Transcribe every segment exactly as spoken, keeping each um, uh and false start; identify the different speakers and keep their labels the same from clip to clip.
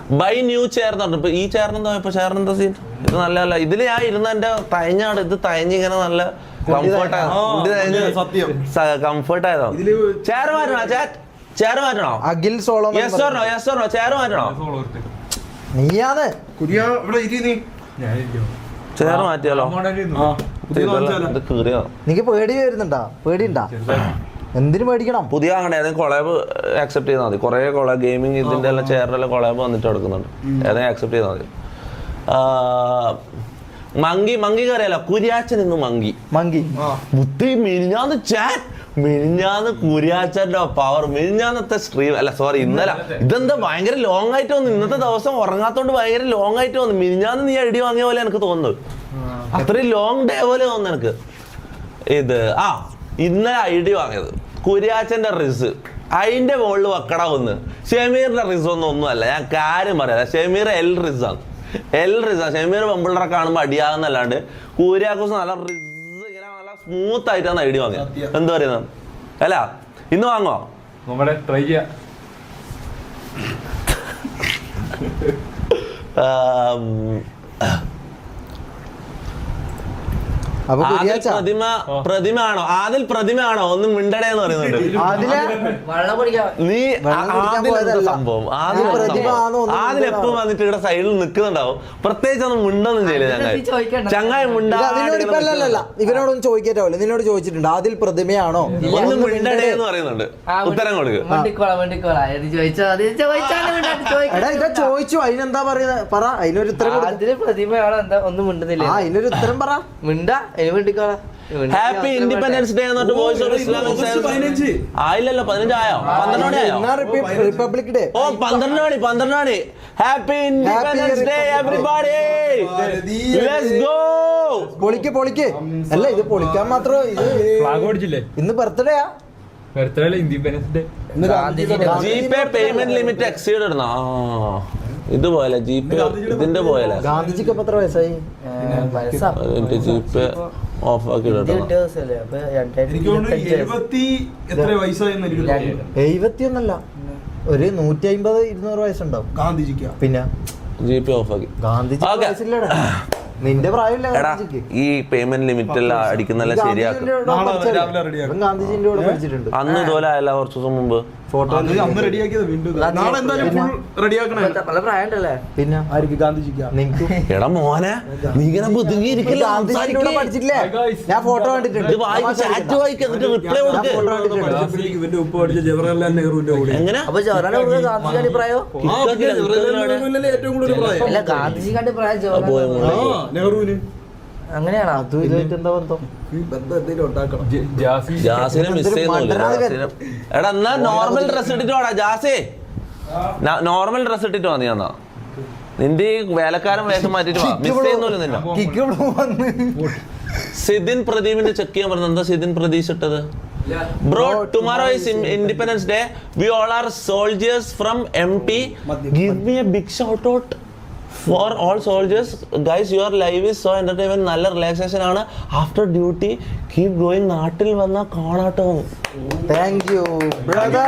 Speaker 1: By new chair എന്ന് പറഞ്ഞു. ഇപ്പൊ ഈ ചെയറിനെന്താ ഇപ്പൊ ചെയറിനെന്താ സീൻ? ഇത് നല്ല അല്ല. ഇതില് ഞാൻ ഇരുന്ന എന്റെ തയഞ്ഞാണ്. ഇത് തയഞ്ഞിങ്ങനെ നല്ല കംഫർട്ട് കംഫർട്ട് ആയതോ. ചെയർ മാറ്റണോ? ചെയർ മാറ്റണോ?
Speaker 2: Akhil solo
Speaker 1: yes or no? Yes or no? Chair മാറ്റണോ?
Speaker 2: നീയാണ്
Speaker 1: ചെയർ മാറ്റിയാലോ?
Speaker 2: നിനക്ക് പേടി വരുന്നുണ്ടാ? പേടിയുണ്ടാ? എന്തിനു പേടിക്കണം?
Speaker 1: പുതിയ അങ്ങനെ ഏതെങ്കിലും കൊളാബ് ആക്സെപ്റ്റ് ചെയ്താൽ മതി. കുറെ കൊളാബ് ഗെയിമിംഗ് ഇതിന്റെ എല്ലാം ചെയറിന്റെ എല്ലാം കൊളാബ് വന്നിട്ട് എടുക്കുന്നുണ്ട്. ഏതെങ്കിലും ആക്സെപ്റ്റ് ചെയ്താൽ മതി. മങ്കി മങ്കി കറിയല്ല, കുര്യാച്ചൻ ഇന്ന് മങ്കി
Speaker 2: മങ്കി
Speaker 1: മുത്തി മിനിഞ്ഞാന്ന് ചാറ്റ് മിനിഞ്ഞാന്ന് കുര്യാച്ചന്റെ പവർ. മിനിഞ്ഞാന്നത്തെ സ്ട്രീം അല്ല സോറി ഇന്നലെ. ഇതെന്താ ഭയങ്കര ലോങ് ആയിട്ട് വന്നു. ഇന്നത്തെ ദിവസം ഉറങ്ങാത്തോണ്ട് ഭയങ്കര ലോങ് ആയിട്ട് വന്നു. മിനിഞ്ഞാന്ന് നീ ഐഡി വാങ്ങിയ പോലെ എനിക്ക് തോന്നുന്നത്. അത്രയും ലോങ് ഡേ പോലെ തോന്നുന്നു എനിക്ക്. ഇത് ആ ഇന്നലെ ഐഡി വാങ്ങിയത് കുര്യാച്ചന്റെ റിസ്. അതിന്റെ മുകളിൽ വെക്കട ഒന്ന് ഷെമീറിന്റെ റിസ് ഒന്നും ഒന്നുമല്ല. ഞാൻ കാര്യം പറയാം. ഷെമീർ എൽ റിസാണ്. എൽ റിസാണ്. ഷെമീർ പെമ്പിള്ളറെ കാണുമ്പോൾ അടിയാകുന്നല്ലാണ്ട് കുര്യാക്കോസ് നല്ല റിസ് ഇങ്ങനെ നല്ല സ്മൂത്ത് ആയിട്ടാണ് ഐഡി വാങ്ങിയത്. എന്താ പറയുന്നത് അല്ല? ഇന്ന് വാങ്ങോ?
Speaker 3: ട്രൈ ചെയ്യാം.
Speaker 1: പ്രതിമ പ്രതിമ ആണോ? ആദിൽ പ്രതിമ ആണോ? ഒന്നും മിണ്ടടേന്ന് പറയുന്നുണ്ട്. നീ സംഭവം ആദിൽ എപ്പം വന്നിട്ട് ഇവിടെ സൈഡിൽ നിൽക്കുന്നുണ്ടാവും. പ്രത്യേകിച്ച് ഒന്നും മിണ്ടൊന്നും ചെയ്യില്ല. ചങ്ങായി ചങ്ങായി മിണ്ടാ
Speaker 2: ഇവരോടൊന്നും ചോദിക്കാറ്റാവില്ല. നിന്നോട് ചോദിച്ചിട്ടുണ്ട് ആദിൽ പ്രതിമയാണോ?
Speaker 1: ഒന്നും മിണ്ടടേ എന്ന് പറയുന്നുണ്ട്. ഉത്തരം കൊടുക്കുക.
Speaker 2: ചോദിച്ചു അതിനെന്താ പറയുന്നത്? പറ. അതിനൊരു ഉത്തരം.
Speaker 4: പ്രതിമയാണോ? എന്താ ഒന്നും മിണ്ടുന്നില്ല.
Speaker 2: അതിനൊരു ഉത്തരം പറ.
Speaker 4: മിണ്ടാ.
Speaker 1: ഹാപ്പി ഇൻഡിപെൻഡൻസ് ഡേ എന്നിട്ട് വോയിസ് ഓഫ് ഇസ്ലാമിക് ആയില്ലല്ലോ. പതിനഞ്ച് ആയോ? പന്ത്രണ്ട് മണി ആയോ?
Speaker 2: Republic day.
Speaker 1: ഓ പന്ത്രണ്ട് മണി പന്ത്രണ്ട് മണി. Happy independence day everybody. Let's go.
Speaker 2: പൊളിക്ക് പൊളിക്ക്. അല്ല ഇത് പൊളിക്കാൻ മാത്രം. ഇത്
Speaker 3: ഫ്ലാഗ് ഓടിച്ചില്ലേ?
Speaker 2: ഇന്ന് ബർത്ത്ഡേയാ?
Speaker 3: ബർത്ത്ഡേ അല്ല, independence day.
Speaker 1: GPay payment limit exceed ഇടുന്ന ഇതുപോലെ ജിപേ ഇതിന്റെ പോലെ
Speaker 2: ഗാന്ധിജിക്ക് എത്ര വയസ്സായി?
Speaker 1: ജിപേ ഓഫ് ആക്കി
Speaker 2: എഴുപത്തിയൊന്നല്ല, ഒരു നൂറ്റി അമ്പത് ഇരുന്നൂറ് വയസ്സുണ്ടാവും ഗാന്ധിജിക്ക്. പിന്നെ
Speaker 1: ജിപേ ഓഫ് ആക്കി.
Speaker 2: ഗാന്ധിജി നിന്റെ പ്രായമില്ല.
Speaker 1: ഈ പേയ്മെന്റ് ലിമിറ്റ് എല്ലാം അടിക്കുന്നെല്ലാം ശരിയാക്കും.
Speaker 2: ഗാന്ധിജിന്റെ കൂടെ പഠിച്ചിട്ടുണ്ട്.
Speaker 1: അന്ന് ഇതുപോലെ ആയല്ല കുറച്ചു ദിവസം മുമ്പ്.
Speaker 2: ഫോട്ടോ പിന്നെ
Speaker 1: എടാ മോനെ നീ ഇങ്ങനെ ബുദ്ധിമുട്ടിരിക്കില്ല.
Speaker 2: ഞാൻ ഫോട്ടോ കണ്ടിട്ടുണ്ട്.
Speaker 1: റിപ്ലൈ കൊടുക്ക്. എങ്ങനെ
Speaker 4: അങ്ങനെയാണോ?
Speaker 2: അതും ഇതായിട്ട് എന്താ ബന്ധം?
Speaker 1: ജാസിനെ മിസ് ചെയ്യുന്നില്ല. എടാ എന്നാ നോർമൽ ഡ്രസ് ഇട്ടിട്ട് വാടാ ജാസേ. നോർമൽ ഡ്രസ് ഇട്ടിട്ട് വാ നീ. എന്നാ നിന്റെ ഈ വേലക്കാരൻ വേഷം മാറ്റിട്ട് വാ. മിസ് ചെയ്യുന്നില്ല നിന്നെ. സിദിൻ പ്രദീപിന്റെ ചെക്ക് ചെയ്യാൻ പറഞ്ഞത് എന്താ സിദിൻ പ്രതീക്ഷ ഇട്ടത്? Bro, tomorrow is Independence Day. We all are soldiers from M P. Give me a big shout out for all soldiers. Guys, your live is so entertainment. നല്ല റിലാക്സേഷൻ ആണ്. After duty keep going. നാട്ടിൽ വന്ന കാണാട്ടോ.
Speaker 2: Thank you brother.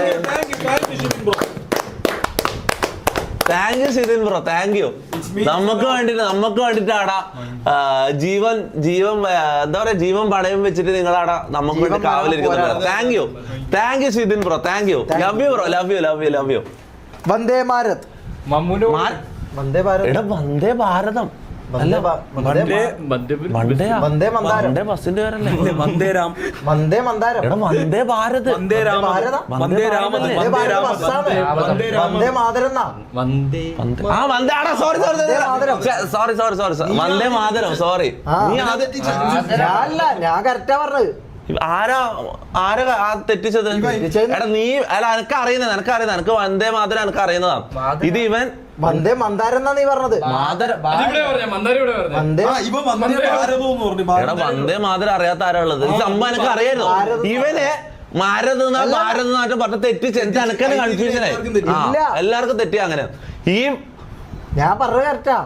Speaker 1: Thank you Sidin bro. Thank you. നമുക്ക് വേണ്ടിട്ട് നമുക്ക് വേണ്ടിട്ടാടാ ജീവൻ ജീവൻ എന്താ പറയാ ജീവൻ പടയം വെച്ചിട്ട് നിങ്ങളാടാ നമുക്ക് വേണ്ടി കാവലിരിക്കുന്നുണ്ട്. Thank you thank you Sidin bro. Thank you. Love you bro. Love you love you love you.
Speaker 2: വന്ദേ ഭാരത്. വന്ദേ ഭാരത്.
Speaker 1: എടാ വന്ദേ ഭാരതം അല്ല വന്ദേ ബസിന്റെ പേരല്ലേ?
Speaker 2: വന്ദേ മന്ദാരം.
Speaker 1: എടാ വന്ദേ ഭാരത്.
Speaker 2: വന്ദേ മാതരം. ആ വന്ദേ sorry sorry sorry sorry sorry sorry വന്ദേ മാതരം. സോറി ഞാൻ കറക്റ്റാ പറഞ്ഞത്.
Speaker 1: ആരാ ആരാ തെറ്റിച്ചത്? എടാ നീ അല്ല എനക്ക് അറിയുന്നത് എനക്ക് അറിയുന്നത് എനക്ക് വന്ദേ മാതരം എനക്ക് അറിയുന്നതാ. ഇത് ഇവൻ
Speaker 2: വന്ദേ മന്ദാരം എന്നാ നീ പറഞ്ഞത്.
Speaker 1: എടാ വന്ദേ മാതരം അറിയാത്ത ആരാ ഉള്ളത്? ഈ സംഭവം എനക്ക് അറിയാലോ. ഇവന് ഭാരത് ഭാരത് നാട്ടം പറഞ്ഞ തെറ്റിച്ച് എനിക്ക് എനക്കന്നെ കൺഫ്യൂഷനായി. എല്ലാവർക്കും തെറ്റി അങ്ങനെ. ഈ
Speaker 2: ഞാൻ പറഞ്ഞത് കറക്റ്റാ.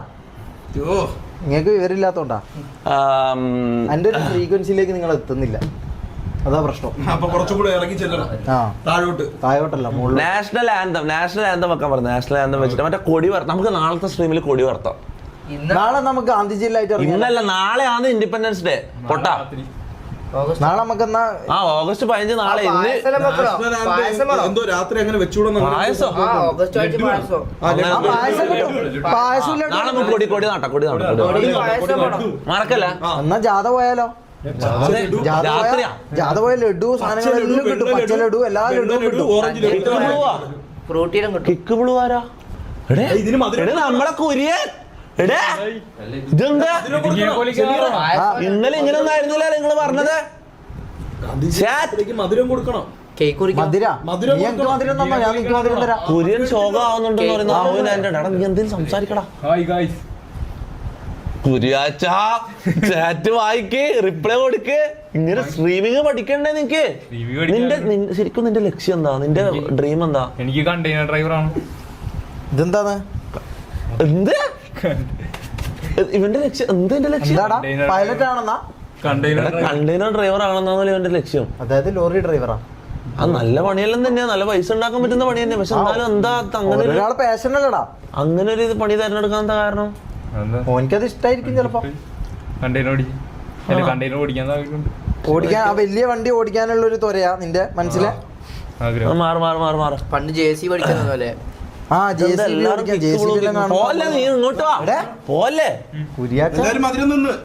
Speaker 2: നിങ്ങൾക്ക് വിവരമില്ലാത്തോണ്ടാ. എന്റെ ഒരു ഫ്രീക്വൻസിയിലേക്ക് നിങ്ങൾ എത്തുന്നില്ല. അതാ പ്രശ്നം.
Speaker 5: അപ്പൊ കുറച്ചുകൂടെ ഇറങ്ങി ചെല്ലണം
Speaker 2: ആ
Speaker 5: താഴോട്ട്.
Speaker 2: താഴോട്ടല്ല മുകളിൽ.
Speaker 1: നാഷണൽ ആന്തം നാഷണൽ ആന്തം വെക്കാൻ പറഞ്ഞു. നാഷണൽ ആന്തം വെച്ചിട്ട് മറ്റേ കൊടി വറുത്താം. നമുക്ക് നാളത്തെ സ്ട്രീമിൽ കൊടി വറുത്താം.
Speaker 4: ഇന്ന്
Speaker 2: നാളെ നമുക്ക് ഗാന്ധി ജില്ലായിട്ട് ഇറങ്ങാം.
Speaker 1: ഇന്നല്ല, നാളെയാണ് ഇൻഡിപെൻഡൻസ് ഡേ. പൊട്ടാ.
Speaker 4: ഓഗസ്റ്റ്
Speaker 2: നാളെ നമുക്ക് എന്നാ
Speaker 1: ആ ഓഗസ്റ്റ് പതിനഞ്ച് നാളെ. ഇന്ന്
Speaker 4: പായസം വെക്കണോ? പായസം വേണോ?
Speaker 5: എന്തോ രാത്രി അങ്ങനെ വെച്ചുകൂടെ
Speaker 1: പായസം.
Speaker 4: ആ ഓഗസ്റ്റ് ആഴ്ച പായസം
Speaker 1: അങ്ങനെ
Speaker 2: ആ പായസം കിട്ടും. പായസം ഇല്ല.
Speaker 1: നാളെ നമുക്ക് കൊടി കൊടി നാട്ടാ കൊടി നാട്ടാ കൊടി
Speaker 4: കൊടി പായസം വേണം.
Speaker 1: മറക്കല്ല.
Speaker 2: എന്നാ ജാഥ പോയാലോ? ജാഥ പോയാ
Speaker 1: രാത്രിയാ
Speaker 2: ജാഥ പോയ ലഡു സാധനങ്ങളെല്ലാം കിട്ടും. പച്ച ലഡു എല്ലാ ലഡുവും കിട്ടും.
Speaker 5: Orange
Speaker 1: kick ബ്ലൂവാ.
Speaker 4: ഫ്രൂട്ടിയിലും കിട്ടും.
Speaker 1: കിക്ക് ബ്ലൂ ആരാ? എടേ
Speaker 5: ഇതിന് മധുരം
Speaker 1: എടേ നമ്മളെ കുര്യൻ. എടേ ഇതെന്താ ഇന്നലെ ഇങ്ങനെ ഒന്നും ആയിരുന്നില്ല നിങ്ങള് പറഞ്ഞത്.
Speaker 5: ഗാന്ധിജിക്ക് മധുരം കൊടുക്കണം.
Speaker 4: കേക്ക് കുറിക്കും.
Speaker 2: മധുര
Speaker 5: മധുരം
Speaker 2: നീ എനിക്ക് മധുരം തന്നോ? ഞാൻ നിനക്ക് മധുരം തരാം.
Speaker 1: കുര്യൻ ശോകമാവുന്നുണ്ടെന്ന് പറയുന്ന ആവുന്ന എന്റെ എടാ നീ എന്തെങ്കിലും സംസാരിക്കടാ.
Speaker 3: Hi guys.
Speaker 1: കുര്യാച്ച ചാറ്റ് വായിക്ക്, റിപ്ലൈ കൊടുക്ക്. ഇങ്ങനെ സ്ട്രീമിങ് പഠിക്കണ്ടേ നിനക്ക്?
Speaker 3: Streaming പഠിക്കാൻ-
Speaker 1: നിന്റെ നിൻ- ശരിക്കും നിന്റെ ലക്ഷ്യം എന്താ? നിന്റെ ഡ്രീം എന്താ?
Speaker 3: എനിക്ക് കണ്ടെയ്നർ ഡ്രൈവറാണ്.
Speaker 2: ഇതെന്താണ്?
Speaker 1: എന്ത് ഇവന്റെ ലക്ഷ്യം? എന്ത് എന്റെ ലക്ഷ്യം?
Speaker 2: എന്താടാ പൈലറ്റ് ആണെന്നാ?
Speaker 3: കണ്ടെയ്നർ
Speaker 1: കണ്ടെയ്നർ ഡ്രൈവർ ആണെന്നാണല്ലോ ഇവന്റെ ലക്ഷ്യം.
Speaker 2: അതായത് ലോറി ഡ്രൈവറാ.
Speaker 1: അത് നല്ല പണിയെല്ലാം തന്നെയാ, നല്ല പൈസ ഉണ്ടാക്കാൻ പറ്റുന്ന പണി തന്നെ. പക്ഷെ എന്നാലും എന്താ അങ്ങനെ ഒരു-
Speaker 2: ഒരാളെ പാഷൻ അല്ലടാ.
Speaker 1: അങ്ങനെ ഒരു ഇത് പണി തിരഞ്ഞെടുക്കാൻ എന്താ കാരണം?
Speaker 2: ഓനിക്കത് ഇഷ്ടായിരിക്കും ചിലപ്പോ.
Speaker 3: കണ്ടെയ്നർ ഓടിക്കും. അല്ല കണ്ടെയ്നർ ഓടിക്കാൻ താല്പര്യമുണ്ട്.
Speaker 2: ഓടിക്കാൻ ആ വലിയ വണ്ടി ഓടിക്കാനുള്ള ഒരു ത്വരയാ നിന്റെ മനസ്സിലെ.
Speaker 3: ആഗ്രഹം.
Speaker 1: മാറ് മാറ് മാറ് മാറ്.
Speaker 4: പണ്ട് ജെ സി പഠിക്കുന്ന പോലെ
Speaker 2: ആ ജെ സി ബി
Speaker 1: എല്ലാവരും
Speaker 2: ഓടിക്കാൻ ജെ സി ബി എല്ലാം
Speaker 1: പോലെ നീ ഇങ്ങോട്ട് വാ.
Speaker 2: എവിടെ?
Speaker 1: പോലെ
Speaker 2: കുരിയാച്ച
Speaker 5: എല്ലാരും മധുരം നിന്ന്